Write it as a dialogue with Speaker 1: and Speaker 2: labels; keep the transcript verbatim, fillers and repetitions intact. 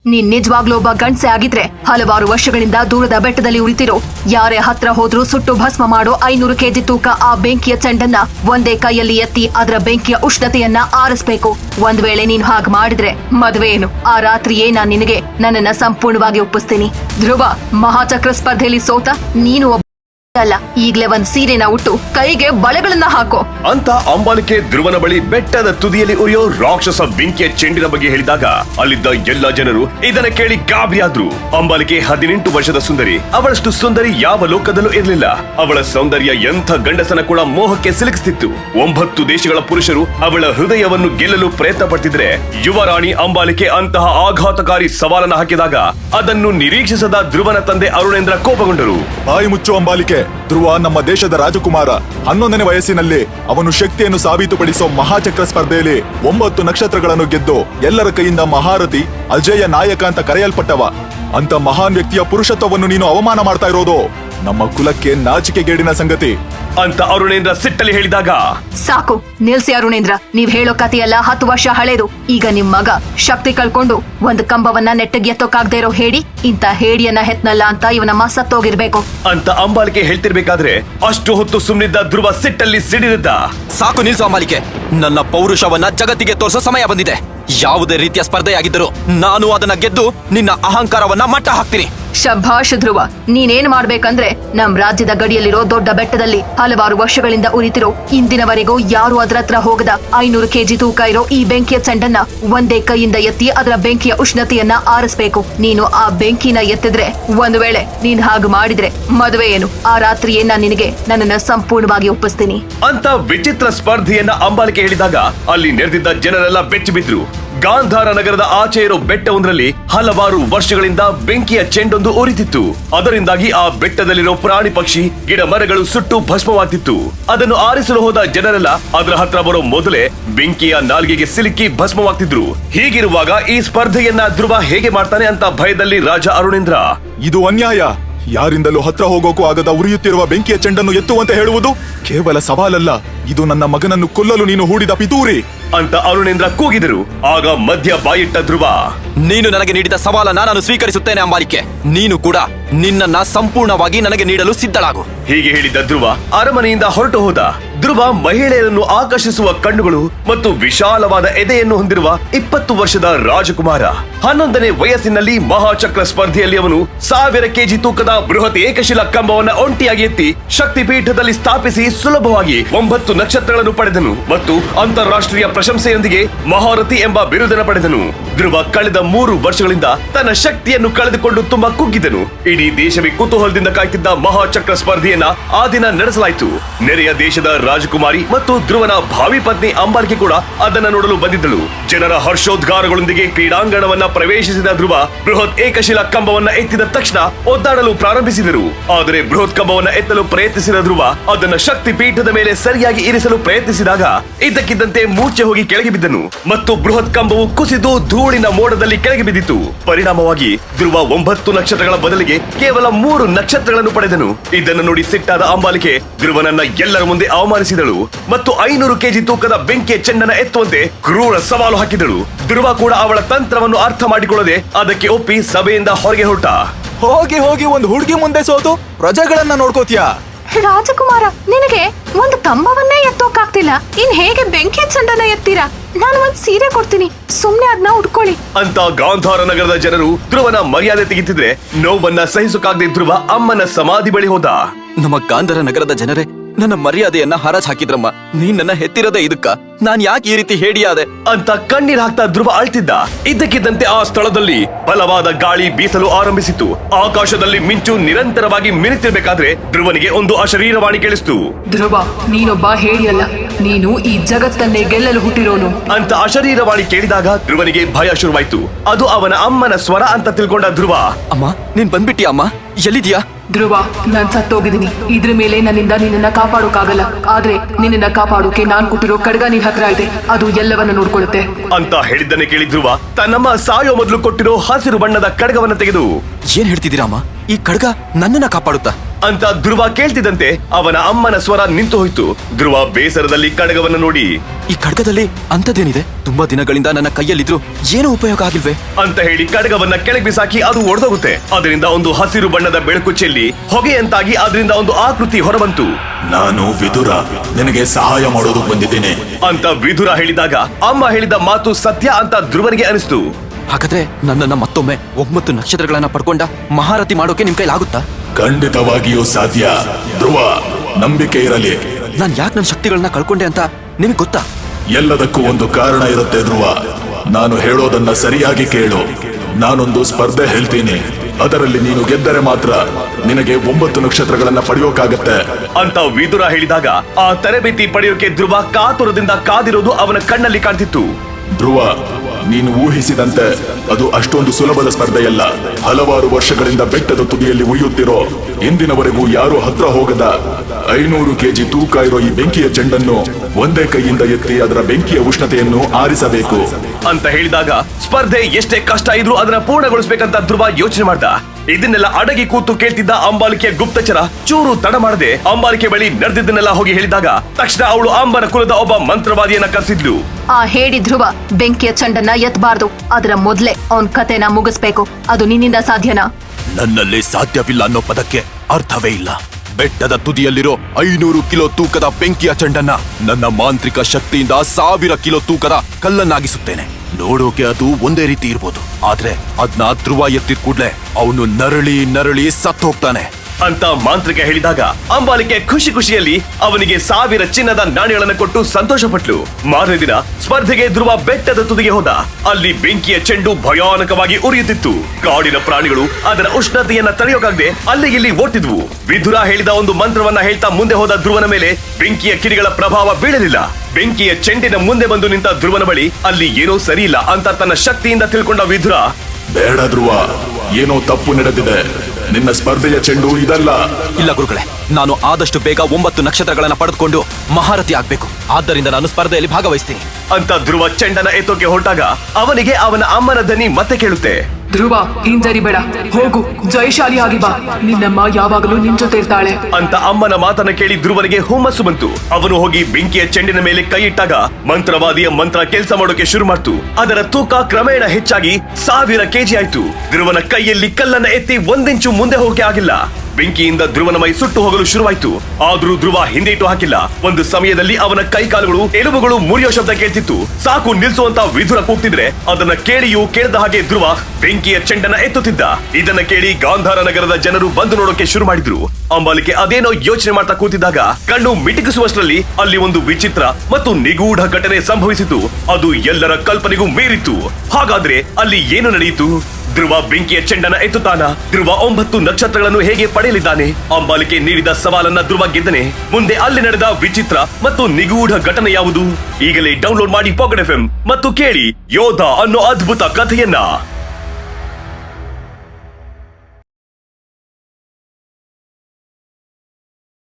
Speaker 1: ನೀನ್ ನಿಜವಾಗ್ಲೂ ಒಬ್ಬ ಗಂಡ್ಸೆ ಆಗಿದ್ರೆ ಹಲವಾರು ವರ್ಷಗಳಿಂದ ದೂರದ ಬೆಟ್ಟದಲ್ಲಿ ಉಳಿತಿರೋ ಯಾರೇ ಹತ್ರ ಹೋದ್ರೂ ಸುಟ್ಟು ಭಸ್ಮ ಮಾಡೋ ಐನೂರು ಕೆಜಿ ತೂಕ ಆ ಬೆಂಕಿಯ ಚೆಂಡನ್ನ ಒಂದೇ ಕೈಯಲ್ಲಿ ಎತ್ತಿ ಅದರ ಬೆಂಕಿಯ ಉಷ್ಣತೆಯನ್ನ ಆರಿಸ್ಬೇಕು. ಒಂದ್ ವೇಳೆ ನೀನ್ ಹಾಗ್ ಮಾಡಿದ್ರೆ ಮದ್ವೆ ಏನು, ಆ ರಾತ್ರಿಯೇ ನಾನ್ ನಿನಗೆ ನನ್ನನ್ನ ಸಂಪೂರ್ಣವಾಗಿ ಒಪ್ಪಿಸ್ತೀನಿ. ಧ್ರುವ, ಮಹಾಚಕ್ರ ಸ್ಪರ್ಧೆಯಲ್ಲಿ ಸೋತ ನೀನು ಒಬ್ಬ ಅಲ್ಲ, ಈಗ್ಲೇ ಒಂದ್ ಸೀರೆನ ಉಟ್ಟು ಕೈಗೆ ಬಳೆಗಳನ್ನ ಹಾಕೋ
Speaker 2: ಅಂತ ಅಂಬಾಲಿಕೆ ಧ್ರುವನ ಬಳಿ ಬೆಟ್ಟದ ತುದಿಯಲ್ಲಿ ಉರಿಯೋ ರಾಕ್ಷಸ ಬೆಂಕಿಯ ಚೆಂಡಿನ ಬಗ್ಗೆ ಹೇಳಿದಾಗ ಅಲ್ಲಿದ್ದ ಎಲ್ಲ ಜನರು ಇದನ್ನ ಕೇಳಿ ಗಾಬರಿ ಆದ್ರು. ಅಂಬಾಲಿಕೆ ಹದಿನೆಂಟು ವರ್ಷದ ಸುಂದರಿ. ಅವಳಷ್ಟು ಸುಂದರಿ ಯಾವ ಲೋಕದಲ್ಲೂ ಇರಲಿಲ್ಲ. ಅವಳ ಸೌಂದರ್ಯ ಎಂಥ ಗಂಡಸನ ಕೂಡ ಮೋಹಕ್ಕೆ ಸಿಲುಕಿಸ್ತಿತ್ತು. ಒಂಬತ್ತು ದೇಶಗಳ ಪುರುಷರು ಅವಳ ಹೃದಯವನ್ನು ಗೆಲ್ಲಲು ಪ್ರಯತ್ನ ಪಡ್ತಿದ್ರೆ ಯುವರಾಣಿ ಅಂಬಾಲಿಕೆ ಅಂತಹ ಆಘಾತಕಾರಿ ಸವಾಲನ್ನ ಹಾಕಿದಾಗ ಅದನ್ನು ನಿರೀಕ್ಷಿಸದ ಧ್ರುವನ ತಂದೆ ಅರುಣೇಂದ್ರ ಕೋಪಗೊಂಡರು.
Speaker 3: ಬಾಯಿ ಮುಚ್ಚು ಅಂಬಾಲಿಕೆ, ಧ್ರುವ ನಮ್ಮ ದೇಶದ ರಾಜಕುಮಾರ. ಹನ್ನೊಂದನೇ ವಯಸ್ಸಿನಲ್ಲಿ ಅವನು ಶಕ್ತಿಯನ್ನು ಸಾಬೀತುಪಡಿಸೋ ಮಹಾಚಕ್ರ ಸ್ಪರ್ಧೆಯಲ್ಲಿ ಒಂಬತ್ತು ನಕ್ಷತ್ರಗಳನ್ನು ಗೆದ್ದು ಎಲ್ಲರ ಕೈಯಿಂದ ಮಹಾರಥಿ, ಅಜೇಯ ನಾಯಕ ಅಂತ ಕರೆಯಲ್ಪಟ್ಟವ. ಅಂತ ಮಹಾನ್ ವ್ಯಕ್ತಿಯ ಪುರುಷತ್ವವನ್ನು ನೀನು ಅವಮಾನ ಮಾಡ್ತಾ ಇರೋದು ನಮ್ಮ ಕುಲಕ್ಕೆ ನಾಚಿಕೆಗೇಡಿನ ಸಂಗತಿ
Speaker 2: ಅಂತ ಅರುಣೇಂದ್ರ ಸಿಟ್ಟಲ್ಲಿ ಹೇಳಿದಾಗ,
Speaker 1: ಸಾಕು ನಿಲ್ಸಿ ಅರುಣೇಂದ್ರ, ನೀವ್ ಹೇಳೋ ಕಥೆಯಲ್ಲ ಹತ್ತು ವರ್ಷ ಹಳೇದು. ಈಗ ನಿಮ್ ಮಗ ಶಕ್ತಿ ಕಳ್ಕೊಂಡು ಒಂದ್ ಕಂಬವನ್ನ ನೆಟ್ಟಗೆ ಎತ್ತೋಕಾಗದೆ ಇರೋ ಹೇಡಿ ಇಂತ ಹೇಡಿಯನ್ನ ಹೆತ್ನಲ್ಲ ಅಂತ ಇವನಮ್ಮ ಸತ್ತೋಗಿರ್ಬೇಕು
Speaker 2: ಅಂತ ಅಂಬಾಲಿಕೆ ಹೇಳ್ತಿರ್ಬೇಕಾದ್ರೆ ಅಷ್ಟು ಹೊತ್ತು ಸುಮ್ನಿದ್ದ ಧ್ರುವ ಸಿಟ್ಟಲ್ಲಿ ಸಿಡಿದಿದ್ದ.
Speaker 4: ಸಾಕು ನಿಲ್ಸು ಅಂಬಾಲಿಕೆ, ನನ್ನ ಪೌರುಷವನ್ನ ಜಗತ್ತಿಗೆ ತೋರಿಸೋ ಸಮಯ ಬಂದಿದೆ. ಯಾವುದೇ ರೀತಿಯ ಸ್ಪರ್ಧೆಯಾಗಿದ್ದರೂ ನಾನು ಅದನ್ನ ಗೆದ್ದು ನಿನ್ನ ಅಹಂಕಾರವನ್ನ ಮಟ್ಟ ಹಾಕ್ತೀನಿ.
Speaker 1: ಶಭಾಷ್ ಧ್ರುವ, ನೀನೇನ್ ಮಾಡ್ಬೇಕಂದ್ರೆ ನಮ್ ರಾಜ್ಯದ ಗಡಿಯಲ್ಲಿರೋ ದೊಡ್ಡ ಬೆಟ್ಟದಲ್ಲಿ ಹಲವಾರು ವರ್ಷಗಳಿಂದ ಉರಿತಿರೋ ಇಂದಿನವರೆಗೂ ಯಾರು ಅದ್ರ ಹತ್ರ ಹೋಗದ ಐನೂರು ಕೆಜಿ ತೂಕ ಇರೋ ಈ ಬೆಂಕಿಯ ಚೆಂಡನ್ನ ಒಂದೇ ಕೈಯಿಂದ ಎತ್ತಿ ಅದರ ಬೆಂಕಿಯ ಉಷ್ಣತೆಯನ್ನ ಆರಿಸ್ಬೇಕು. ನೀನು ಆ ಬೆಂಕಿನ ಎತ್ತಿದ್ರೆ ಒಂದ್ ವೇಳೆ ನೀನ್ ಹಾಗೆ ಮಾಡಿದ್ರೆ ಮದುವೆ ಏನು, ಆ ರಾತ್ರಿಯೇ ನಾನ್ ನಿನಗೆ ನನ್ನನ್ನ ಸಂಪೂರ್ಣವಾಗಿ ಒಪ್ಪಿಸ್ತೀನಿ
Speaker 2: ಅಂತ ವಿಚಿತ್ರ ಸ್ಪರ್ಧೆಯನ್ನ ಅಂಬಾಲಿಕೆ ಹೇಳಿದಾಗ ಅಲ್ಲಿ ನೆರೆದಿದ್ದ ಜನರೆಲ್ಲ ಬೆಚ್ಚಿ ಬಿದ್ರು. ಗಾಂಧಾರ ನಗರದ ಆಚೆ ಇರೋ ಬೆಟ್ಟವೊಂದರಲ್ಲಿ ಹಲವಾರು ವರ್ಷಗಳಿಂದ ಬೆಂಕಿಯ ಚೆಂಡೊಂದು ಉರಿತಿತ್ತು. ಅದರಿಂದಾಗಿ ಆ ಬೆಟ್ಟದಲ್ಲಿರೋ ಪ್ರಾಣಿ ಪಕ್ಷಿ ಗಿಡ ಮರಗಳು ಸುಟ್ಟು ಭಸ್ಮವಾಗ್ತಿತ್ತು. ಅದನ್ನು ಆರಿಸಲು ಹೋದ ಜನರೆಲ್ಲ ಅದರ ಹತ್ರ ಬರೋ ಮೊದಲೇ ಬೆಂಕಿಯ ನಾಲ್ಗೆಗೆ ಸಿಲುಕಿ ಭಸ್ಮವಾಗ್ತಿದ್ರು. ಹೀಗಿರುವಾಗ ಈ ಸ್ಪರ್ಧೆಯನ್ನ ಧ್ರುವ ಹೇಗೆ ಮಾಡ್ತಾನೆ ಅಂತ ಭಯದಲ್ಲಿ ರಾಜ ಅರುಣೇಂದ್ರ,
Speaker 3: ಇದು ಅನ್ಯಾಯ. ಯಾರಿಂದಲೂ ಹತ್ರ ಹೋಗೋಕು ಆಗದ ಉರಿಯುತ್ತಿರುವ ಬೆಂಕಿಯ ಚೆಂಡನ್ನು ಎತ್ತುವಂತೆ ಹೇಳುವುದು ಕೇವಲ ಸವಾಲಲ್ಲ, ಇದು ನನ್ನ ಮಗನನ್ನು ಕೊಲ್ಲಲು ನೀನು ಹೂಡಿದ ಪಿತೂರಿ
Speaker 2: ಅಂತ ಅರುಣೇಂದ್ರ ಕೂಗಿದರು. ಆಗ ಮಧ್ಯ ಬಾಯಿಟ್ಟ ಧ್ರುವ,
Speaker 4: ನೀನು ನನಗೆ ನೀಡಿದ ಸವಾಲನ್ನ ನಾನು ಸ್ವೀಕರಿಸುತ್ತೇನೆ ಅಂಬಾಲಿಕೆ. ನೀನು ಕೂಡ ನಿನ್ನನ್ನ ಸಂಪೂರ್ಣವಾಗಿ ನನಗೆ ನೀಡಲು ಸಿದ್ಧಳಾಗು.
Speaker 2: ಹೀಗೆ ಹೇಳಿದ ಧ್ರುವ ಅರಮನೆಯಿಂದ ಹೊರಟು ಹೋದ. ಧ್ರುವ ಮಹಿಳೆಯರನ್ನು ಆಕರ್ಷಿಸುವ ಕಣ್ಣುಗಳು ಮತ್ತು ವಿಶಾಲವಾದ ಎದೆಯನ್ನು ಹೊಂದಿರುವ ಇಪ್ಪತ್ತು ವರ್ಷದ ರಾಜಕುಮಾರ. ಹನ್ನೊಂದನೇ ವಯಸ್ಸಿನಲ್ಲಿ ಮಹಾಚಕ್ರ ಸ್ಪರ್ಧೆಯಲ್ಲಿ ಅವನು ಸಾವಿರ ಕೆಜಿ ತೂಕದ ಬೃಹತ್ ಏಕಶಿಲಾ ಕಂಬವನ್ನ ಒಂಟಿಯಾಗಿ ಎತ್ತಿ ಶಕ್ತಿಪೀಠದಲ್ಲಿ ಸ್ಥಾಪಿಸಿ ಸುಲಭವಾಗಿ ಒಂಬತ್ತು ನಕ್ಷತ್ರಗಳನ್ನು ಪಡೆದನು ಮತ್ತು ಅಂತಾರಾಷ್ಟ್ರೀಯ ಪ್ರಶಂಸೆಯೊಂದಿಗೆ ಮಹಾರಥಿ ಎಂಬ ಬಿರುದನ್ನು ಪಡೆದನು. ಧ್ರುವ ಕಳೆದ ಮೂರು ವರ್ಷಗಳಿಂದ ತನ್ನ ಶಕ್ತಿಯನ್ನು ಕಳೆದುಕೊಂಡು ತುಂಬಾ ಕುಗ್ಗಿದನು. ಇಡೀ ದೇಶವೇ ಕುತೂಹಲದಿಂದ ಕಾಯ್ತಿದ್ದ ಮಹಾಚಕ್ರ ಸ್ಪರ್ಧೆಯನ್ನ ಆ ದಿನ ನಡೆಸಲಾಯಿತು. ನೆರೆಯ ದೇಶದ ರಾಜಕುಮಾರಿ ಮತ್ತು ಧ್ರುವನ ಭಾವಿ ಪತ್ನಿ ಅಂಬಾಲಿಕೆ ಕೂಡ ಅದನ್ನ ನೋಡಲು ಬಂದಿದ್ದಳು. ಜನರ ಹರ್ಷೋದ್ಗಾರಗಳೊಂದಿಗೆ ಕ್ರೀಡಾಂಗಣವನ್ನ ಪ್ರವೇಶಿಸಿದ ಧ್ರುವ ಬೃಹತ್ ಏಕಶಿಲಾ ಕಂಬವನ್ನ ಎತ್ತಿದ ತಕ್ಷಣ ಒದ್ದಾಡಲು ಪ್ರಾರಂಭಿಸಿದರು. ಆದರೆ ಬೃಹತ್ ಕಂಬವನ್ನ ಎತ್ತಲು ಪ್ರಯತ್ನಿಸಿದ ಧ್ರುವ ಅದನ್ನ ಶಕ್ತಿ ಪೀಠದ ಮೇಲೆ ಸರಿಯಾಗಿ ಇರಿಸಲು ಪ್ರಯತ್ನಿಸಿದಾಗ ಇದ್ದಕ್ಕಿದ್ದಂತೆ ಮೂರ್ಛೆ ಹೋಗಿ ಕೆಳಗೆ ಬಿದ್ದನು ಮತ್ತು ಬೃಹತ್ ಕಂಬವು ಕುಸಿದು ಧೂಳಿನ ಮೋಡದಲ್ಲಿ ಕೆಳಗೆ ಬಿದ್ದಿತು. ಪರಿಣಾಮವಾಗಿ ಧ್ರುವ ಒಂಬತ್ತು ನಕ್ಷತ್ರಗಳ ಬದಲಿಗೆ ಕೇವಲ ಮೂರು ನಕ್ಷತ್ರಗಳನ್ನು ಪಡೆದನು. ಇದನ್ನು ನೋಡಿ ಸಿಟ್ಟಾದ ಅಂಬಾಲಿಕೆ ಧ್ರುವನನ್ನ ಎಲ್ಲರ ಮುಂದೆ ಅವಮಾನಿಸಿದಳು ಮತ್ತು ಐನೂರು ಕೆಜಿ ತೂಕದ ಬೆಂಕಿಯ ಚೆಂಡನ ಎತ್ತುವಂತೆ ಕ್ರೂರ ಸವಾಲು ಹಾಕಿದಳು. ಧ್ರುವ ಕೂಡ ಅವಳ ತಂತ್ರವನ್ನು ಅರ್ಥ ಮಾಡಿಕೊಳ್ಳದೆ ಅದಕ್ಕೆ ಒಪ್ಪಿ ಸಭೆಯಿಂದ ಹೊರಗೆ ಹೊರಟ.
Speaker 3: ಹೋಗಿ ಹೋಗಿ ಒಂದು ಹುಡುಗಿ ಮುಂದೆ ಸೋತು ಪ್ರಜೆಗಳನ್ನ ನೋಡ್ಕೋತೀಯ.
Speaker 1: ರಾಜಕುಮಾರ, ನಿನಗೆ ಒಂದು ಕಂಬವನ್ನೇ ಎತ್ತೋಕಾಗ್ತಿಲ್ಲ, ಇನ್ ಹೇಗೆ ಬೆಂಕಿಯ ಚೆಂಡನ ಎತ್ತೀರಾ? ನಾನು ಒಂದ್ ಸೀರೆ ಕೊಡ್ತೀನಿ, ಸುಮ್ನೆ ಅದನ್ನ ಉಟ್ಕೊಳ್ಳಿ
Speaker 2: ಅಂತ ಗಾಂಧಾರ ನಗರದ ಜನರು ಧ್ರುವನ ಮರ್ಯಾದೆ ತೆಗಿತಿದ್ರೆ ನೋವನ್ನ ಸಹಿಸೋಕಾಗದೆ ಧ್ರುವ ಅಮ್ಮನ ಸಮಾಧಿ ಬಳಿ ಹೋದ.
Speaker 4: ನಮ್ಮ ಗಾಂಧಾರ ನಗರದ ಜನರೇ ನನ್ನ ಮರ್ಯಾದೆಯನ್ನ ಹರಾಜ್ ಹಾಕಿದ್ರಮ್ಮ. ನೀನ್ ನನ್ನ ಹೆತ್ತಿರದೆ ಇದಕ್ಕ ನಾನ್ ಯಾಕೆ ಈ ರೀತಿ ಹೇಡಿಯಾದೆ
Speaker 2: ಅಂತ ಕಣ್ಣೀರ್ ಹಾಕ್ತಾ ಧ್ರುವ ಅಳ್ತಿದ್ದ. ಇದ್ದಕ್ಕಿದ್ದಂತೆ ಆ ಸ್ಥಳದಲ್ಲಿ ಬಲವಾದ ಗಾಳಿ ಬೀಸಲು ಆರಂಭಿಸಿತು. ಆಕಾಶದಲ್ಲಿ ಮಿಂಚು ನಿರಂತರವಾಗಿ ಮಿನುತ್ತಿರ್ಬೇಕಾದ್ರೆ ಧ್ರುವನಿಗೆ ಒಂದು ಅಶರೀರವಾಣಿ ಕೇಳಿಸ್ತು.
Speaker 1: ಧ್ರುವ, ನೀನೊಬ್ಬ ಹೇಡಿಯಲ್ಲ, ನೀನು ಈ ಜಗತ್ತನ್ನೇ ಗೆಲ್ಲಲು ಹುಟ್ಟಿರೋನು
Speaker 2: ಅಂತ ಅಶರೀರವಾಣಿ ಕೇಳಿದಾಗ ಧ್ರುವನಿಗೆ ಭಯ ಶುರುವಾಯ್ತು. ಅದು ಅವನ ಅಮ್ಮನ ಸ್ವರ ಅಂತ ತಿಳ್ಕೊಂಡ ಧ್ರುವ,
Speaker 4: ಅಮ್ಮ ನೀನ್ ಬಂದ್ಬಿಟ್ಟಿ ಅಮ್ಮ, ಎಲ್ಲಿದ್ಯಾ?
Speaker 1: ಧ್ರುವ, ನಾನ್ ಸತ್ತೋಗಿದ್ದೀನಿ. ಇದ್ರ ಮೇಲೆ ನನ್ನಿಂದ ನಿನ್ನನ್ನ ಕಾಪಾಡೋಕಾಗಲ್ಲ, ಆದ್ರೆ ನಿನ್ನನ್ನ ಕಾಪಾಡೋಕೆ ನಾನ್ ಕೊಟ್ಟಿರೋ ಖಡ್ಗ ನಿನ್ ಹತ್ರ ಇದೆ, ಅದು ಎಲ್ಲವನ್ನ ನೋಡ್ಕೊಳ್ಳುತ್ತೆ
Speaker 2: ಅಂತ ಹೇಳಿದ್ದನ್ನೇ ಕೇಳಿ ಧ್ರುವ ತನ್ನಮ್ಮ ಸಾಯೋ ಮೊದಲು ಕೊಟ್ಟಿರೋ ಹಸಿರು ಬಣ್ಣದ ಖಡ್ಗವನ್ನ ತೆಗೆದು,
Speaker 4: ಏನ್ ಹೇಳ್ತಿದ್ದೀರಾ ಅಮ್ಮ? ಈ ಖಡ್ಗ ನನ್ನನ್ನ ಕಾಪಾಡುತ್ತಾ?
Speaker 2: ಅಂತ ಧ್ರುವ ಕೇಳ್ತಿದ್ದಂತೆ ಅವನ ಅಮ್ಮನ ಸ್ವರ ನಿಂತು ಹೋಯ್ತು. ಧ್ರುವ ಬೇಸರದಲ್ಲಿ ಖಡ್ಗವನ್ನು ನೋಡಿ,
Speaker 4: ಈ ಖಡ್ಗದಲ್ಲಿ ಅಂಥದ್ದೇನಿದೆ? ತುಂಬಾ ದಿನಗಳಿಂದ ನನ್ನ ಕೈಯಲ್ಲಿದ್ರು ಏನೂ ಉಪಯೋಗ ಆಗಿಲ್ವೇ
Speaker 2: ಅಂತ ಹೇಳಿ ಖಡ್ಗವನ್ನ ಕೆಳಗೆ ಬಿಸಾಕಿ ಅದು ಒಡೆದೋಗುತ್ತೆ. ಅದರಿಂದ ಒಂದು ಹಸಿರು ಬಣ್ಣದ ಬೆಳಕು ಚೆಲ್ಲಿ ಹೊಗೆಯಂತಾಗಿ ಅದರಿಂದ ಒಂದು ಆಕೃತಿ ಹೊರಬಂತು.
Speaker 3: ನಾನು ವಿದುರ, ನಿನಗೆ ಸಹಾಯ ಮಾಡೋದು ಬಂದಿದ್ದೇನೆ
Speaker 2: ಅಂತ ವಿದುರ ಹೇಳಿದಾಗ ಅಮ್ಮ ಹೇಳಿದ ಮಾತು ಸತ್ಯ ಅಂತ ಧ್ರುವನಿಗೆ ಅನಿಸ್ತು.
Speaker 4: ಹಾಗಾದ್ರೆ ನನ್ನನ್ನ ಮತ್ತೊಮ್ಮೆ ಒಂಬತ್ತು ನಕ್ಷತ್ರಗಳನ್ನ ಪಡ್ಕೊಂಡ ಮಹಾರಥಿ ಮಾಡೋಕೆ ನಿಮ್ ಕೈಲಾಗುತ್ತಾ?
Speaker 3: ಖಂಡಿತವಾಗಿಯೂ ಸಾಧ್ಯ ಧ್ರುವ, ನಂಬಿಕೆ ಇರಲಿ.
Speaker 4: ನಾನ್ ಯಾಕೆ ನನ್ನ ಶಕ್ತಿಗಳನ್ನ ಕಳ್ಕೊಂಡೆ ಅಂತ ನಿಮಗೆ ಗೊತ್ತಾ?
Speaker 3: ಎಲ್ಲದಕ್ಕೂ ಒಂದು ಕಾರಣ ಇರುತ್ತೆ ಧ್ರುವ. ನಾನು ಹೇಳೋದನ್ನ ಸರಿಯಾಗಿ ಕೇಳು. ನಾನೊಂದು ಸ್ಪರ್ಧೆ ಹೇಳ್ತೀನಿ, ಅದರಲ್ಲಿ ನೀನು ಗೆದ್ದರೆ ಮಾತ್ರ ನಿನಗೆ ಒಂಬತ್ತು ನಕ್ಷತ್ರಗಳನ್ನ ಪಡೆಯೋಕಾಗತ್ತೆ
Speaker 2: ಅಂತ ವಿದುರ ಹೇಳಿದಾಗ ಆ ತರಬೇತಿ ಪಡೆಯೋಕೆ ಧ್ರುವ ಕಾತುರದಿಂದ ಕಾದಿರೋದು ಅವನ ಕಣ್ಣಲ್ಲಿ ಕಾಣ್ತಿತ್ತು.
Speaker 3: ಧ್ರುವ, ನೀನು ಊಹಿಸಿದಂತೆ ಅದು ಅಷ್ಟೊಂದು ಸುಲಭದ ಸ್ಪರ್ಧೆಯಲ್ಲ. ಹಲವಾರು ವರ್ಷಗಳಿಂದ ಬೆಟ್ಟದ ತುದಿಯಲ್ಲಿ ಉಳಿಯುತ್ತಿರೋ, ಇಂದಿನವರೆಗೂ ಯಾರು ಹತ್ರ ಹೋಗದ ಐನೂರು ಕೆಜಿ ತೂಕ ಇರೋ ಈ ಬೆಂಕಿಯ ಚೆಂಡನ್ನು ಒಂದೇ ಕೈಯಿಂದ ಎತ್ತಿ ಅದರ ಬೆಂಕಿಯ ಉಷ್ಣತೆಯನ್ನು ಆರಿಸಬೇಕು
Speaker 2: ಅಂತ ಹೇಳಿದಾಗ ಸ್ಪರ್ಧೆ ಎಷ್ಟೇ ಕಷ್ಟ ಇದ್ರೂ ಅದನ್ನ ಪೂರ್ಣಗೊಳಿಸಬೇಕಂತ ಧ್ರುವ ಯೋಚನೆ ಮಾಡ್ದ. ಇದನ್ನೆಲ್ಲ ಅಡಗಿ ಕೂತು ಕೇಳ್ತಿದ್ದ ಅಂಬಾಲಿಕೆಯ ಗುಪ್ತಚರ ಚೂರು ತಡ ಮಾಡದೆ ಅಂಬಾಲಿಕೆ ಬಳಿ ನಡೆದಿದ್ದನ್ನೆಲ್ಲ ಹೋಗಿ ಹೇಳಿದಾಗ ತಕ್ಷಣ ಅವಳು ಅಂಬನ ಕುಲದ ಒಬ್ಬ ಮಂತ್ರವಾದಿಯನ್ನ ಕರೆಸಿದ್ಲು.
Speaker 1: ಆ ಹೇಳಿ ಧ್ರುವ ಬೆಂಕಿಯ ಚೆಂಡನ್ನ ಎತ್ತಬಾರ್ದು, ಅದರ ಮೊದ್ಲೇ ಅವನ್ ಕತೆನ ಮುಗಿಸ್ಬೇಕು. ಅದು ನಿನ್ನಿಂದ ಸಾಧ್ಯನಾ?
Speaker 4: ನನ್ನಲ್ಲಿ ಸಾಧ್ಯವಿಲ್ಲ ಅನ್ನೋ ಪದಕ್ಕೆ ಅರ್ಥವೇ ಇಲ್ಲ. ಬೆಟ್ಟದ ತುದಿಯಲ್ಲಿರೋ ಐನೂರು ಕಿಲೋ ತೂಕದ ಬೆಂಕಿಯ ಚೆಂಡನ್ನ ನನ್ನ ಮಾಂತ್ರಿಕ ಶಕ್ತಿಯಿಂದ ಸಾವಿರ ಕಿಲೋ ತೂಕದ ಕಲ್ಲನ್ನಾಗಿಸುತ್ತೇನೆ. ನೋಡೋಕೆ ಅದು ಒಂದೇ ರೀತಿ ಇರ್ಬೋದು, ಆದ್ರೆ ಅದ್ನ ಧ್ರುವ ಎತ್ತಿದ ಕೂಡ್ಲೆ ಅವನು ನರಳಿ ನರಳಿ ಸತ್ತು ಹೋಗ್ತಾನೆ
Speaker 2: ಅಂತ ಮಾಂತ್ರಿಕ ಹೇಳಿದಾಗ ಅಂಬಾಲಿಕೆ ಖುಷಿ ಖುಷಿಯಲ್ಲಿ ಅವನಿಗೆ ಸಾವಿರ ಚಿನ್ನದ ನಾಣ್ಯಗಳನ್ನು ಕೊಟ್ಟು ಸಂತೋಷ ಪಟ್ಲು. ಮಾರನೇ ದಿನ ಸ್ಪರ್ಧೆಗೆ ಧ್ರುವ ಬೆಟ್ಟದ ತುದಿಗೆ ಹೋದ. ಅಲ್ಲಿ ಬೆಂಕಿಯ ಚೆಂಡು ಭಯಾನಕವಾಗಿ ಉರಿಯುತ್ತಿತ್ತು. ಕಾಡಿನ ಪ್ರಾಣಿಗಳು ಅದರ ಉಷ್ಣತೆಯನ್ನ ತಡೆಯೋಕಾಗದೆ ಅಲ್ಲಿ ಇಲ್ಲಿ ಓಡ್ತಿದ್ವು. ವಿದುರ ಹೇಳಿದ ಒಂದು ಮಂತ್ರವನ್ನ ಹೇಳ್ತಾ ಮುಂದೆ ಹೋದ ಧ್ರುವನ ಮೇಲೆ ಬೆಂಕಿಯ ಕಿಡಿಗಳ ಪ್ರಭಾವ ಬೀಳಲಿಲ್ಲ. ಬೆಂಕಿಯ ಚೆಂಡಿನ ಮುಂದೆ ಬಂದು ನಿಂತ ಧ್ರುವನ ಬಳಿ ಅಲ್ಲಿ ಏನೋ ಸರಿಯಿಲ್ಲ ಅಂತ ತನ್ನ ಶಕ್ತಿಯಿಂದ ತಿಳ್ಕೊಂಡ ವಿದುರ,
Speaker 3: ಬೇಡ ಧ್ರುವ, ಏನೋ ತಪ್ಪು ನಡೆದಿದೆ. ನಿನ್ನ ಸ್ಪರ್ಧೆಯ ಚೆಂಡು ಇದಲ್ಲ.
Speaker 4: ಇಲ್ಲ ಗುರುಗಳೇ, ನಾನು ಆದಷ್ಟು ಬೇಗ ಒಂಬತ್ತು ನಕ್ಷತ್ರಗಳನ್ನ ಪಡೆದುಕೊಂಡು ಮಹಾರಥಿ ಆಗ್ಬೇಕು. ಆದ್ದರಿಂದ ನಾನು ಸ್ಪರ್ಧೆಯಲ್ಲಿ ಭಾಗವಹಿಸ್ತೀನಿ
Speaker 2: ಅಂತ ಧ್ರುವ ಚೆಂಡನ ಎತ್ತೋಕೆ ಹೊರಟಾಗ ಅವನಿಗೆ ಅವನ ಅಮ್ಮನ ದನಿ ಮತ್ತೆ ಕೇಳುತ್ತೆ.
Speaker 5: ಧ್ರುವ, ಹಿಂಜರಿ ಬೇಡ, ಹೋಗು, ಜಯಶಾಲಿಯಾಗಿ ಬಾ. ನಿನ್ನಮ್ಮ ಯಾವಾಗಲೂ ನಿನ್ ಜೊತೆ ಇರ್ತಾಳೆ
Speaker 2: ಅಂತ ಅಮ್ಮನ ಮಾತನ್ನ ಕೇಳಿ ಧ್ರುವನಿಗೆ ಹುಮ್ಮಸ್ಸು ಬಂತು. ಅವನು ಹೋಗಿ ಬೆಂಕಿಯ ಚೆಂಡಿನ ಮೇಲೆ ಕೈ ಇಟ್ಟಾಗ ಮಂತ್ರವಾದಿಯ ಮಂತ್ರ ಕೆಲಸ ಮಾಡೋಕೆ ಶುರು ಮಾಡ್ತು. ಅದರ ತೂಕ ಕ್ರಮೇಣ ಹೆಚ್ಚಾಗಿ ಸಾವಿರ ಕೆಜಿ ಆಯ್ತು. ಧ್ರುವನ ಕೈಯಲ್ಲಿ ಕಲ್ಲನ್ನ ಎತ್ತಿ ಒಂದಿಂಚು ಮುಂದೆ ಹೋಗಕ್ಕೆ ಆಗಿಲ್ಲ. ಬೆಂಕಿಯಿಂದ ಧ್ರುವನ ಮೈ ಸುಟ್ಟು ಹೋಗಲು ಶುರುವಾಯ್ತು. ಆದ್ರೂ ಧ್ರುವ ಹಿಂದೆ ಇಟ್ಟು ಹಾಕಿಲ್ಲ. ಒಂದು ಸಮಯದಲ್ಲಿ ಅವನ ಕೈ ಕಾಲುಗಳು ಎಲುಬುಗಳು ಮುರಿಯೋ ಶಬ್ದ ಕೇಳ್ತಿತ್ತು. ಸಾಕು ನಿಲ್ಸುವಂತ ವಿದುರ ಕೂಗ್ತಿದ್ರೆ ಅದನ್ನ ಕೇಳಿಯೂ ಕೇಳದ ಹಾಗೆ ಧ್ರುವ ಬೆಂಕಿಯ ಚೆಂಡನ್ನ ಎತ್ತುತ್ತಿದ್ದ. ಇದನ್ನ ಕೇಳಿ ಗಾಂಧಾರ ನಗರದ ಜನರು ಬಂದು ನೋಡೋಕೆ ಶುರು ಮಾಡಿದ್ರು. ಅಂಬಾಲಿಕೆ ಅದೇನೋ ಯೋಚನೆ ಮಾಡ್ತಾ ಕೂತಿದ್ದಾಗ ಕಣ್ಣು ಮಿಟುಕಿಸುವಷ್ಟರಲ್ಲಿ ಅಲ್ಲಿ ಒಂದು ವಿಚಿತ್ರ ಮತ್ತು ನಿಗೂಢ ಘಟನೆ ಸಂಭವಿಸಿತು. ಅದು ಎಲ್ಲರ ಕಲ್ಪನೆಗೂ ಮೀರಿತ್ತು. ಹಾಗಾದ್ರೆ ಅಲ್ಲಿ ಏನು ನಡೆಯಿತು? ಧ್ರುವ ಬೆಂಕಿಯ ಚೆಂಡನ ಎತ್ತುತ್ತಾನ? ಧ್ರುವ ಒಂಬತ್ತು ನಕ್ಷತ್ರಗಳನ್ನು ಹೇಗೆ ಪಡೆಯಲಿದ್ದಾನೆ? ಅಂಬಾಲಿಕೆ ನೀಡಿದ ಸವಾಲನ್ನ ಧ್ರುವ ಗೆದ್ದನೆ? ಮುಂದೆ ಅಲ್ಲಿ ನಡೆದ ವಿಚಿತ್ರ ಮತ್ತು ನಿಗೂಢ ಘಟನೆ ಯಾವುದು? ಈಗಲೇ ಡೌನ್ಲೋಡ್ ಮಾಡಿ ಪಾಕೆಟ್ ಎಫ್ ಎಂ ಮತ್ತು ಕೇಳಿ ಯೋಧ ಅನ್ನೋ ಅದ್ಭುತ ಕಥೆಯನ್ನ.